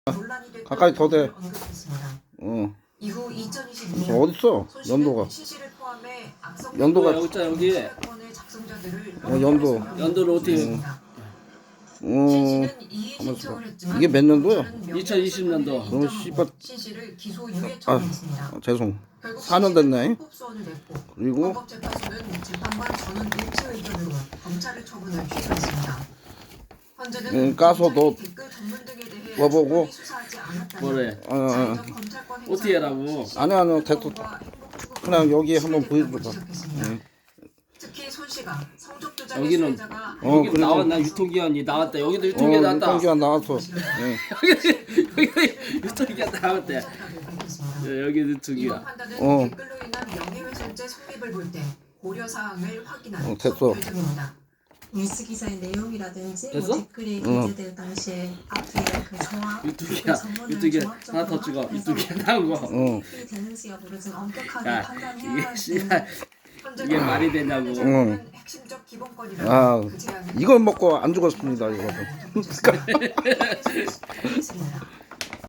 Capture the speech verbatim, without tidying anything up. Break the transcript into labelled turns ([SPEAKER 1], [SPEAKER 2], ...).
[SPEAKER 1] 논란이 됐던
[SPEAKER 2] 가까이 더 대.
[SPEAKER 1] 점을 언급했습니다.
[SPEAKER 2] 어.
[SPEAKER 1] 이후 이천이십이
[SPEAKER 2] 저
[SPEAKER 1] 년
[SPEAKER 2] 어딨어? 연도가.
[SPEAKER 1] 신씨를 포함해 악성
[SPEAKER 2] 연도가
[SPEAKER 3] 여기 있잖아, 여기.
[SPEAKER 1] 수사건의 작성자들을
[SPEAKER 2] 어, 연도.
[SPEAKER 3] 연도를 어떻게-
[SPEAKER 1] 했습니다.
[SPEAKER 2] 어.
[SPEAKER 1] 신씨는 이의
[SPEAKER 2] 가만있어
[SPEAKER 1] 신청을
[SPEAKER 2] 봐.
[SPEAKER 1] 했지만
[SPEAKER 2] 이게 몇 년도야?
[SPEAKER 3] 이천이십 년도.
[SPEAKER 2] 너무 씨발.
[SPEAKER 1] 신씨를 기소 유예
[SPEAKER 2] 아,
[SPEAKER 1] 처분했습니다.
[SPEAKER 2] 아, 죄송.
[SPEAKER 1] 결국
[SPEAKER 2] 사 년 됐네.
[SPEAKER 1] 신씨는 불법소원을 냈고
[SPEAKER 2] 그리고
[SPEAKER 1] 헌법재판소는 재판관 전원 일치 의견으로 검찰의 처분을 취소했습니다. 현재는
[SPEAKER 2] 응, 까서 너
[SPEAKER 1] 검찰이 댓글 전문 등에 대해
[SPEAKER 2] 써보고.
[SPEAKER 1] 충분히 수사하지 않았다는
[SPEAKER 3] 뭐래?
[SPEAKER 2] 어, 어.
[SPEAKER 1] 자의적 검찰권 행사
[SPEAKER 3] 어떻게 하라고?
[SPEAKER 1] 시
[SPEAKER 2] 아니, 아니,
[SPEAKER 1] 행복과
[SPEAKER 2] 됐어.
[SPEAKER 1] 행복추구권의
[SPEAKER 2] 그냥 여기 한번
[SPEAKER 1] 침해됐다고
[SPEAKER 2] 보여줘봐.
[SPEAKER 1] 지적했습니다.
[SPEAKER 2] 응.
[SPEAKER 1] 특히 손 씨가 성적 조작의
[SPEAKER 3] 여기는-
[SPEAKER 1] 수혜자가
[SPEAKER 2] 어,
[SPEAKER 3] 여기
[SPEAKER 2] 그래도-
[SPEAKER 3] 나왔나? 유통기한이 나왔다. 여기도
[SPEAKER 2] 어,
[SPEAKER 3] 유통기한 나왔다.
[SPEAKER 2] 유통기한 나왔어. 예.
[SPEAKER 3] 여기 유통기한 나왔대. 예, 여기
[SPEAKER 1] 이번
[SPEAKER 3] 유통기한.
[SPEAKER 1] 판단은
[SPEAKER 2] 어.
[SPEAKER 1] 댓글로 인한 명예훼손죄 성립을 볼 때 고려 사항을 확인한
[SPEAKER 2] 어, 됐어.
[SPEAKER 1] 속 결정입니다.
[SPEAKER 4] 뉴스 기사의 내용이라든지
[SPEAKER 3] 됐어?
[SPEAKER 4] 뭐 댓글이
[SPEAKER 2] 응.
[SPEAKER 4] 게재될 당시에 앞뒤에 그 정확
[SPEAKER 3] 유통기한.
[SPEAKER 4] 그 전문을
[SPEAKER 3] 유통기한
[SPEAKER 4] 종합적으로
[SPEAKER 3] 하나 더 찍어.
[SPEAKER 4] 확인해서
[SPEAKER 3] 유통기한 나온 거.
[SPEAKER 2] 어.
[SPEAKER 4] 이 되는지 여부를 좀 엄격하게
[SPEAKER 3] 야,
[SPEAKER 4] 판단해야
[SPEAKER 3] 이게
[SPEAKER 4] 되는
[SPEAKER 3] 씨발 이게 말이 되냐고.
[SPEAKER 1] 응. 핵심적 기본권이라는
[SPEAKER 2] 아,
[SPEAKER 1] 그 제안을
[SPEAKER 2] 이걸 먹고 안 죽었습니다, 이거.
[SPEAKER 1] 했습니다.